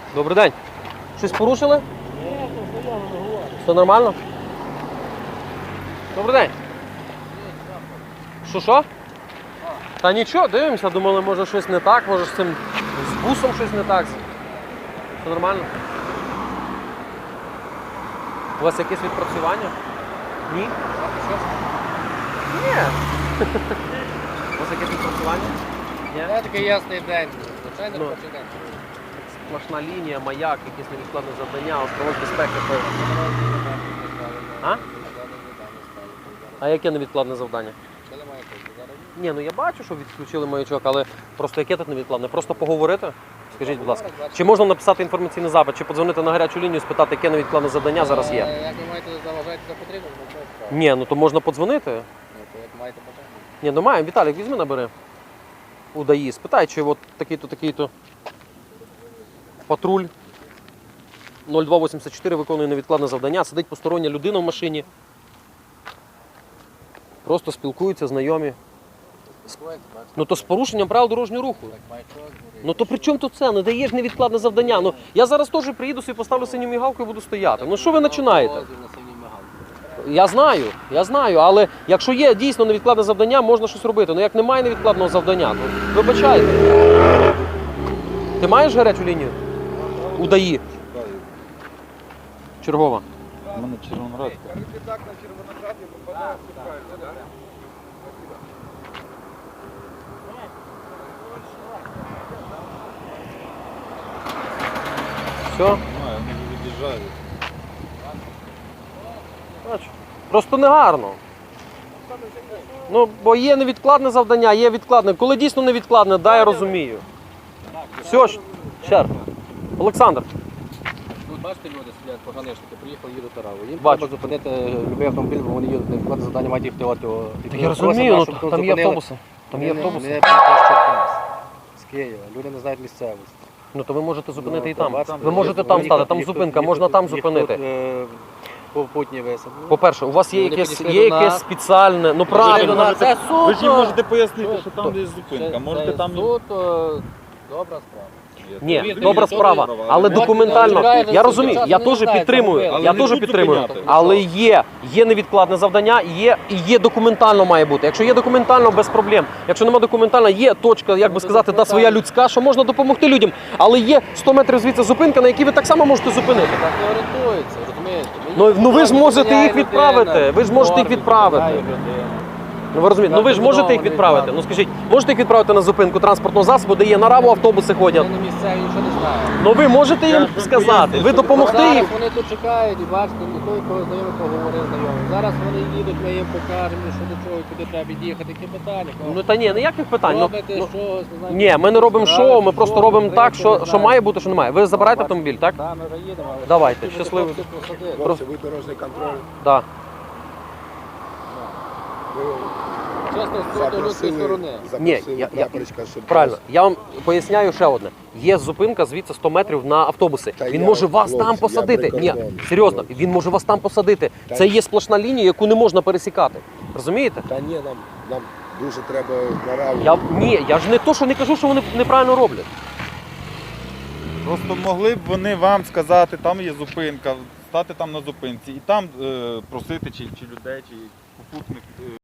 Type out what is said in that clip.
Добрий день. Щось порушили? Ні, то заяву не говорю. Все нормально? Добрий день. Що? Та нічого, дивимося, думали, може щось не так, може з цим з бусом щось не так. Все нормально? У вас якесь відпрацювання? Ні? Ні. У вас якесь відпрацювання? Ні? Це такий ясний день. Звичайно, Ну. робочий день. Сплошна лінія, маяк, якісь невідкладне завдання, островок безпеки. А? А яке невідкладне завдання? Ні, ну я бачу, що відключили маячок, але просто яке тут невідкладне? Просто поговорити? Скажіть, будь ласка. Чи можна написати інформаційний запит, чи подзвонити на гарячу лінію, спитати, яке невідкладне завдання зараз є? Як ви маєте заважати за потрібно, то це Ні, ну то можна подзвонити. Ну, то як маєте бажання. Ні, ну маємо. Віталік, візьми, набери. У ДАІ. Спитай, чи от такий-то патруль 0284 виконує невідкладне завдання, сидить постороння людина в машині. Просто спілкуються, знайомі. Ну то з порушенням правил дорожнього руху. Ну то при чому тут це? Не даєш невідкладне завдання. Ну я зараз теж приїду собі, поставлю синю мігалку і буду стояти. Ну що ви починаєте? Я знаю, але якщо є дійсно невідкладне завдання, можна щось робити. Ну як немає невідкладного завдання, то вибачайте. Ти маєш гарячу лінію? У ДАІ? Чергова. У мене Червоноградська. Все? Знаю, вони від'їжджають. Бачу. Просто негарно. Ну, бо є невідкладне завдання, є відкладне. Коли дійсно невідкладне, да, я розумію. Все, ще. Олександр. Тут бачите, люди сидять, поганишники, приїхали, їдуть тараву. Їм Бачу. треба зупинити любий автомобіль, бо вони їдуть, невідкладне завдання мають їхати от його. Я розумію, ну, там є автобуси. Там є автобуси. Ми з Черкас, з Києва, люди не знають місцевості. Ну то ви можете зупинити і там. бачите, Ви можете там стати, там зупинка, можна там зупинити. Попутні висадки. По-перше, у вас є Вони якесь, підійшли є до якесь нас. спеціальне, ну правильно, можете- це Ви ж їм супер. можете пояснити, що там десь зупинка. Можете там... Суд, добра справа. Ні, Повірте добра мені, справа, добра, але ну, документально, чекайте, я розумію, я не теж знаєте, підтримую, зробили. я Але не теж будуть підтримую, зупиняти. але є невідкладне завдання, є документально має бути. Якщо є документально, без проблем. Якщо немає документально, є точка, як би сказати, та своя людська, що можна допомогти людям, але є 100 метрів звідси зупинка, на якій ви так само можете зупинити. Так не орієнтується, розумієте? Ну ви ж можете їх відправити, ви ж можете їх відправити. Ну ви розумієте, ну ви ж можете їх відправити. Ну скажіть, можете їх відправити на зупинку транспортного засобу, де є на раву автобуси ходять? Вони місцеві нічого не знають. Ну ви можете їм сказати, ви допомогти Зараз їм. вони тут чекають і бачите, ніхто кого знайомий поговорив знайомий. Зараз вони їдуть, ми їм покажемо, що до чого, куди треба від'їхати, які питання. Ну та ні, ніяких питань. Ну, Робите ну, щось, не знаю, ні, ми не робимо збираєте, шоу, ми просто що робимо робите, так, не що знаю. має бути, що немає. Ви забираєте автомобіль, так? Так, ми вже їдемо. але Давайте, хотів би щасливо. хлопців посадити. Просто- Ви дорожній контроль. Так. Ви Чесно, з цієї людської сторони. Ні, прапорочка, щоб Правильно, я вам поясняю ще одне. Є зупинка звідси 100 метрів на автобуси. Та Він я, може вас хлопці, там я посадити. Ні, прикордонний. серйозно, він може вас там посадити. Та Це ні. є сплошна лінія, яку не можна пересікати. Розумієте? Та ні, нам дуже треба нараву. Я ж не то, що не кажу, що вони неправильно роблять. Просто могли б вони вам сказати, там є зупинка, стати там на зупинці і там просити чи людей, чи попутних